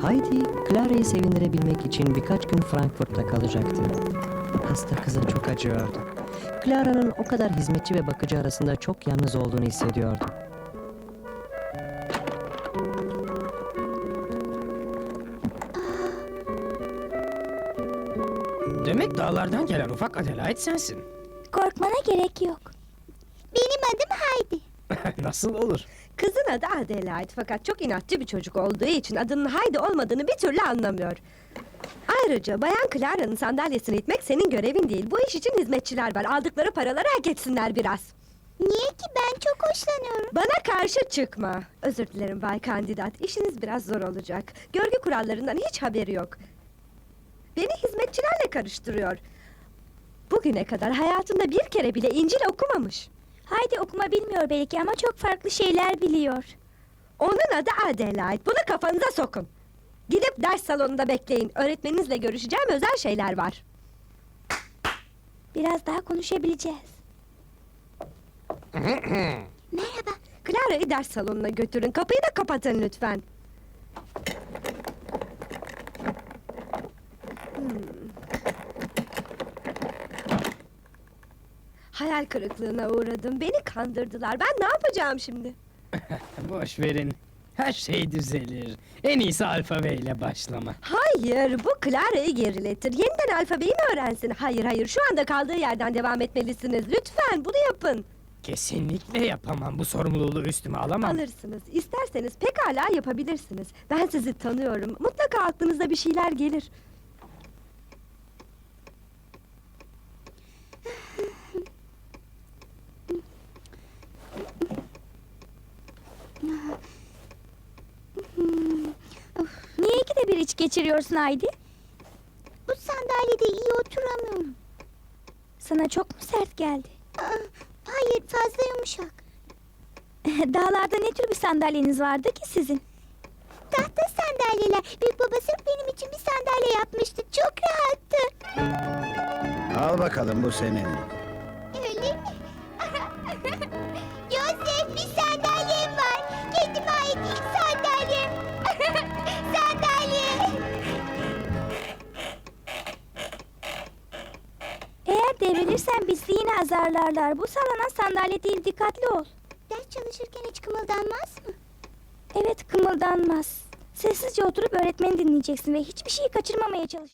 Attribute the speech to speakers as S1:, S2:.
S1: Heidi, Clara'yı sevindirebilmek için birkaç gün Frankfurt'ta kalacaktı. Hasta kıza çok acıyordu. Clara'nın o kadar hizmetçi ve bakıcı arasında çok yalnız olduğunu hissediyordu.
S2: Demek dağlardan gelen ufak Adelaide sensin.
S3: Korkmana gerek yok. Benim adım Heidi.
S2: Nasıl olur?
S4: Kızın adı Adelaide fakat çok inatçı bir çocuk olduğu için adının Heidi olmadığını bir türlü anlamıyor. Ayrıca Bayan Clara'nın sandalyesini itmek senin görevin değil. Bu iş için hizmetçiler var. Aldıkları paraları hak etsinler biraz.
S3: Niye ki? Ben çok hoşlanıyorum.
S4: Bana karşı çıkma. Özür dilerim Bay Kandidat. İşiniz biraz zor olacak. Görgü kurallarından hiç haberi yok. Beni hizmetçilerle karıştırıyor. Bugüne kadar hayatında bir kere bile İncil okumamış.
S3: Heidi okuma bilmiyor belki ama çok farklı şeyler biliyor.
S4: Onun adı Adelaide. Bunu kafanıza sokun. Gidip ders salonunda bekleyin. Öğretmeninizle görüşeceğim özel şeyler var.
S3: Biraz daha konuşabileceğiz. Merhaba.
S4: Clara'yı ders salonuna götürün. Kapıyı da kapatın lütfen. Hayal kırıklığına uğradım. Beni kandırdılar. Ben ne yapacağım şimdi?
S2: Boş verin. Her şey düzelir. En iyisi alfabe ile başlama.
S4: Hayır, bu Clara'yı geriletir. Yeniden alfabeyi mi öğrensin? Hayır, şu anda kaldığı yerden devam etmelisiniz. Lütfen bunu yapın.
S2: Kesinlikle yapamam. Bu sorumluluğu üstüme alamam.
S4: Alırsınız. İsterseniz pekala yapabilirsiniz. Ben sizi tanıyorum. Mutlaka aklınıza bir şeyler gelir.
S3: Niye ikide bir iç geçiriyorsun Heidi? Bu sandalyede iyi oturamıyorum. Sana çok mu sert geldi? Hayır, fazla yumuşak. Dağlarda ne tür bir sandalyeniz vardı ki sizin? Tahta sandalyeler. Büyük baba sırf benim için bir sandalye yapmıştı. Çok rahattı.
S5: Al bakalım, bu senin.
S3: Öyle mi? Yosef, bir sandalyem var. Kendime ait ilk sandalyem. Sandalye. Eğer devrilirsen bizi yine azarlarlar. Bu sallanan sandalye değil, dikkatli ol. Ders çalışırken hiç kımıldanmaz mı? Evet, kımıldanmaz. Sessizce oturup öğretmeni dinleyeceksin ve hiçbir şeyi kaçırmamaya çalış.